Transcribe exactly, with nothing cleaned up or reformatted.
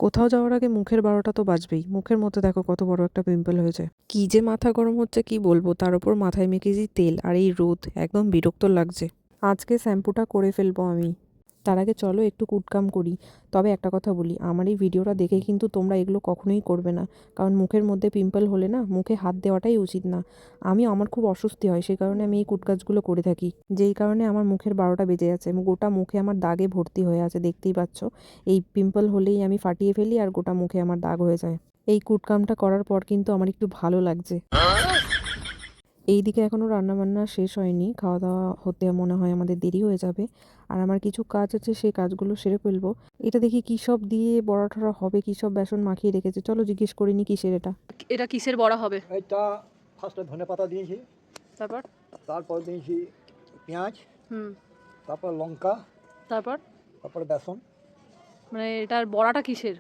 কোথাও যাওয়ার আগে মুখের বারোটা তো বাজবেই। মুখের মধ্যে দেখো কত বড় একটা পিম্পল হয়েছে। কি যে মাথা গরম হচ্ছে কি বলবো, তার উপর মাথায় মেখেছি তেল আর এই রোদ, একদম বিরক্ত লাগছে। আজকে শ্যাম্পুটা করে ফেলবো আমি। তার আগে চলো একটু কুটকাম করি। তবে একটা কথা বলি, আমার এই ভিডিওটা দেখে কিন্তু তোমরা এগুলো কখনোই করবে না, কারণ মুখের মধ্যে পিম্পল হলে না মুখে হাত দেওয়াটাই উচিত না। আমি আমার খুব অস্বস্তি হয়, সেই কারণে আমি এই কুটকাজগুলো করে থাকি, যেই কারণে আমার মুখের বারোটা বেজে যাচ্ছে। গোটা মুখে আমার দাগে ভর্তি হয়ে আছে, দেখতেই পাচ্ছ। এই পিম্পল হলেই আমি ফাটিয়ে ফেলি আর গোটা মুখে আমার দাগ হয়ে যায়। এই কুটকামটা করার পর কিন্তু আমার একটু ভালো লাগছে। এইদিকে এখনও রান্নাবান্না শেষ হয়নি, খাওয়া দাওয়া হতে মনে হয় আমাদের দেরি হয়ে যাবে। আর আমার কিছু কাজ আছে, সেই কাজগুলো সেরে ফেলবো। এটা দেখি কী সব দিয়ে বড়া টড়া হবে, কী সব বেসন মাখিয়ে রেখেছে। চলো জিজ্ঞেস করিনি কিসের এটা। এটা কিসের বড়া হবে? এটা ফার্স্টে ধনে পাতা দিয়েছি, তারপর তারপর দিয়েছি পেঁয়াজ, হুম তারপর লঙ্কা, তারপর তারপরে বেসন। মানে এটার বড়াটা কিসের?